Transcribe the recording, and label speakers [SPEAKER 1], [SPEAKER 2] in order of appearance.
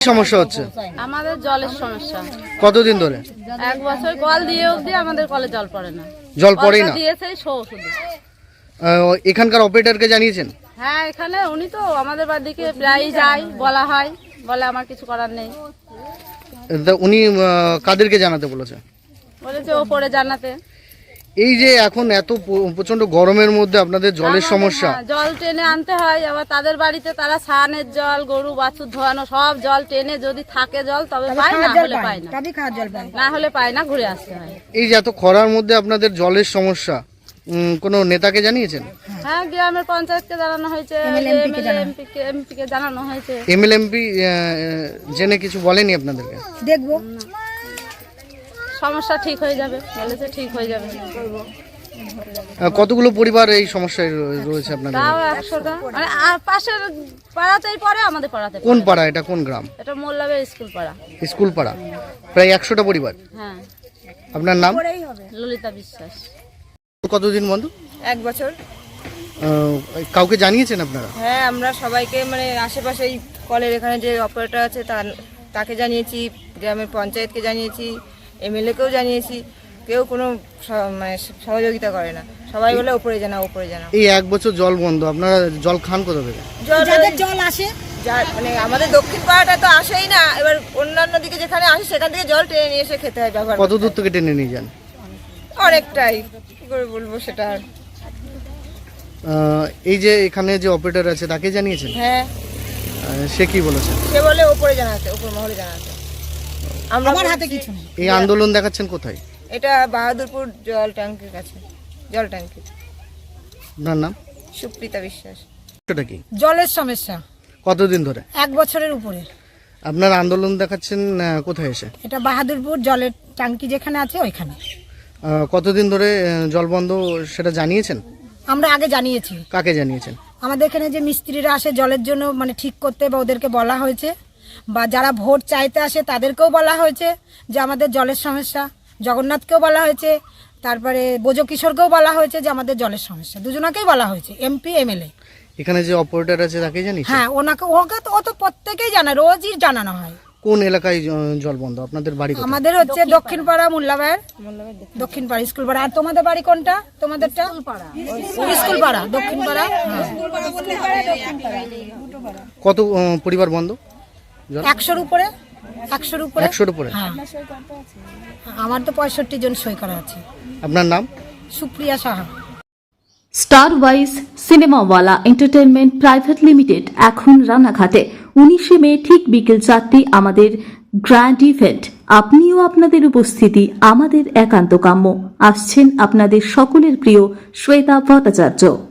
[SPEAKER 1] সমস্যা হচ্ছে?
[SPEAKER 2] আমাদের জলের সমস্যা।
[SPEAKER 1] কতদিন ধরে?
[SPEAKER 2] 1 বছর কল দিয়ে অবধি আমাদের কলে জল পড়ে না।
[SPEAKER 1] জল পড়েই না?
[SPEAKER 2] দিয়েছে শো শুধু।
[SPEAKER 1] এখানকার অপারেটরকে জানিয়েছেন?
[SPEAKER 2] হ্যাঁ, এখানে উনি তো আমাদের বাড়িতে প্রায়ই যায়, বলা হয়, বলে আমার কিছু করার নেই।
[SPEAKER 1] উনি কাদেরকে জানাতে বলেছে?
[SPEAKER 2] বলেছে ওপরে জানাতে।
[SPEAKER 1] এই যে এখন এত প্রচন্ড গরমের মধ্যে আপনাদের জলের সমস্যা,
[SPEAKER 2] জল টেনে আনতে হয়, আবার তাদের বাড়িতে তারা স্নানের জল, গরু বাছুর ধোয়ানো সব জল টেনে যদি থাকে জল তবে পায়, না হলে পায় না, না হলে পায় না, ঘুরে আসতে হয়।
[SPEAKER 1] এই যে এত খরার মধ্যে আপনাদের জলের সমস্যা, কোনো নেতাকে জানিয়েছেন?
[SPEAKER 2] হ্যাঁ, গ্রামের পঞ্চায়েতকে জানানো হয়েছে, এমপিকে জানানো হয়েছে।
[SPEAKER 1] এমএলএমপি জেনে কিছু বলেনি আপনাদেরকে?
[SPEAKER 3] দেখবো
[SPEAKER 2] সমস্যা ঠিক হয়ে যাবে বলেছে, ঠিক হয়ে যাবে।
[SPEAKER 1] কতগুলো পরিবার এই সমস্যায় রয়েছে আপনাদের?
[SPEAKER 2] তাও 100টা, মানে পাশের পাড়াতেই পড়ে, আমাদের পাড়াতে।
[SPEAKER 1] কোন পাড়া এটা? কোন গ্রাম?
[SPEAKER 2] এটা মোল্লাবের স্কুল পাড়া।
[SPEAKER 1] স্কুল পাড়া, প্রায় 100টা পরিবার।
[SPEAKER 2] হ্যাঁ।
[SPEAKER 1] আপনার নাম?
[SPEAKER 2] ললিতা বিশ্বাস।
[SPEAKER 1] কতদিন বন্ধ?
[SPEAKER 3] 1 বছর।
[SPEAKER 1] কাউকে জানিয়েছেন আপনারা?
[SPEAKER 3] হ্যাঁ, আমরা সবাইকে, মানে আশেপাশে এই কলের এখানে যে অপারেটর আছে তাকে জানিয়েছি, গ্রামের পঞ্চায়েতকে জানিয়েছি, এমএলএকেও জানিয়েছি, কেউ কোনো মানে সহযোগিতা করে না। সবাই বলে উপরে জানাও, উপরে জানাও।
[SPEAKER 1] এই 1 বছর জল বন্ধ, আপনারা জল খান কোথা থেকে?
[SPEAKER 3] জল আসে, মানে আমাদের দক্ষিণ পাড়াটা তো আসেই না, এবার অন্যান্য দিকে যেখানে আসে সেখান থেকে জল টেনে নিয়ে এসে খেতে হয়, ব্যবহার।
[SPEAKER 1] কত দূর থেকে টেনে নিয়ে যান?
[SPEAKER 3] অনেকটাই, কি করে বলবো সেটা।
[SPEAKER 1] এই যে এখানে যে অপারেটর আছে তাকে জানিয়েছেন?
[SPEAKER 3] হ্যাঁ।
[SPEAKER 1] সে কি বলেছে?
[SPEAKER 3] সে বলে উপরে জানাতে, উপর মহলে জানাতে। আমার হাতে কিছু নেই।
[SPEAKER 1] এই আন্দোলন দেখাচ্ছেন কোথায়?
[SPEAKER 3] এটা বাহাদুরপুর জল ট্যাঙ্কির কাছে, জল ট্যাঙ্কি।
[SPEAKER 1] আপনার নাম?
[SPEAKER 3] সুপ্রিতা বিশ্বাস।
[SPEAKER 1] এটা কি?
[SPEAKER 3] জলের সমস্যা।
[SPEAKER 1] কতদিন ধরে?
[SPEAKER 3] 1 বছরের উপরে।
[SPEAKER 1] আপনার আন্দোলন দেখাচ্ছেন কোথায় এসে?
[SPEAKER 3] এটা বাহাদুরপুর জলের ট্যাঙ্কি যেখানে আছে ওইখানে।
[SPEAKER 1] কতদিন ধরে জল বন্ধ সেটা জানিয়েছেন?
[SPEAKER 3] আমরা আগে জানিয়েছি।
[SPEAKER 1] কাকে জানিয়েছেন?
[SPEAKER 3] আমাদের এখানে যে মিস্ত্রিরা আসে জলের জন্য, মানে ঠিক করতে, বা ওদেরকে বলা হয়েছে, বা যারা ভোট চাইতে আসে তাদেরকেও বলা হয়েছে যে আমাদের জলের সমস্যা। জগন্নাথকেও বলা হয়েছে, তারপরে বোজো কিশোরকেও বলা হয়েছে যে আমাদের জলের সমস্যা। দুজনাকেই বলা হয়েছে, এমপি এমএলএ।
[SPEAKER 1] এখানে যে অপারেটর আছে তাকে জানিয়েছেন?
[SPEAKER 3] হ্যাঁ, ওকে তো ও তো প্রত্যেকেই জানে, রোজই জানানো হয়।
[SPEAKER 1] কোন এলাকায় জল বন্ধ আপনাদের বাড়ি?
[SPEAKER 3] আমাদের হচ্ছে দক্ষিণ পাড়া, মোল্লাবাইয়ের দক্ষিণ পাড়া স্কুল পাড়া। আর তোমাদের বাড়ি কোনটা? তোমাদেরটা স্কুল পাড়া, দক্ষিণ পাড়া।
[SPEAKER 1] কত পরিবার বন্ধ?
[SPEAKER 3] 100-র উপরে। 100-র উপরে।
[SPEAKER 1] 100-র উপরে?
[SPEAKER 3] হ্যাঁ, আমার তো 65 জন সই করা আছে।
[SPEAKER 1] আপনার নাম?
[SPEAKER 3] সুপ্রিয়া সাহা।
[SPEAKER 4] স্টার ওয়াইজ সিনেমাওয়ালা এন্টারটেনমেন্ট প্রাইভেট লিমিটেড এখন রানাঘাটে। 19শে মে ঠিক বিকেল 4টে আমাদের গ্র্যান্ড ইভেন্ট। আপনিও আপনাদের উপস্থিতি আমাদের একান্ত কাম্য। আসছেন আপনাদের সকলের প্রিয় শ্বেতা ভট্টাচার্য।